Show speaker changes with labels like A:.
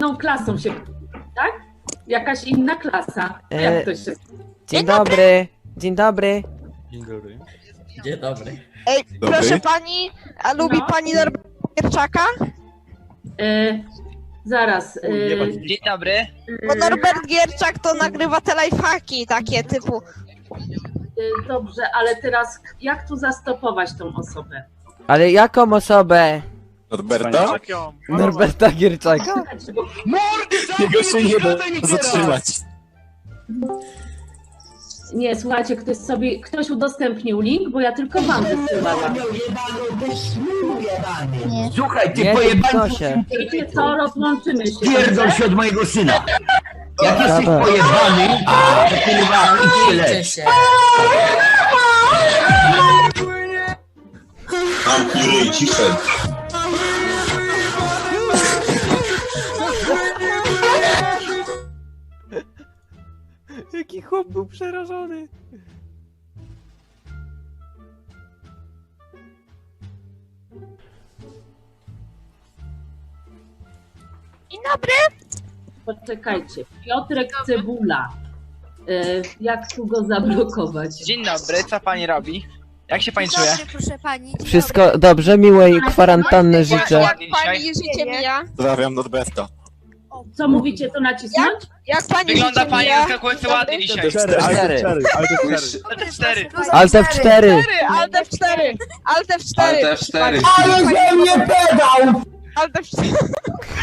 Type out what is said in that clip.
A: inną klasą się, tak? Jakaś inna klasa. Jak to się...
B: Dzień dobry. Dzień dobry.
C: Dzień dobry.
D: Dzień dobry.
E: Ej,
C: Dobry.
E: proszę pani, a lubi
A: No.
E: pani Norberta Gierczaka?
A: Zaraz.
F: Dzień dobry.
E: Bo Norbert Gierczak to nagrywa te lifehacki takie typu.
A: Dobrze, ale teraz jak tu zastopować tą osobę?
B: Ale jaką osobę?
C: Norberta?
B: Norberta Gierczaka?
C: Jego się nie da zatrzymać.
A: Nie, słuchajcie, ktoś udostępnił link, bo ja tylko wam wysyłałam.
G: Słuchaj, ty
B: Nie,
G: pojebany
B: się.
A: Wiecie co, rozłączymy się.
G: pierdol się od mojego syna. Jak jesteś
B: Dobra.
G: pojebany, to kurwa idź się lecz.
D: się.
H: Zamknij ciszej.
B: Jaki chłop był przerażony.
E: Dzień dobry.
A: Poczekajcie, Piotrek Cebula. Jak tu go zablokować?
F: Dzień dobry, co pani robi? Jak się pani czuje?
I: Dobry, proszę pani. Dzień
B: Wszystko dobrze, miłej kwarantanny życzę.
E: Jak pani życie mija?
C: Pozdrawiam Norberta.
A: Co mówicie, to nacisnąć?
E: Jak pani
F: Wygląda
E: życie
F: pani
E: mija?
F: zaskakująco ładnie dzisiaj. To te 4.
B: Alt F4.
E: Alt F4. Alt F4.
H: Alt F4.
G: Ale ze mnie pedał!
E: Alt F4.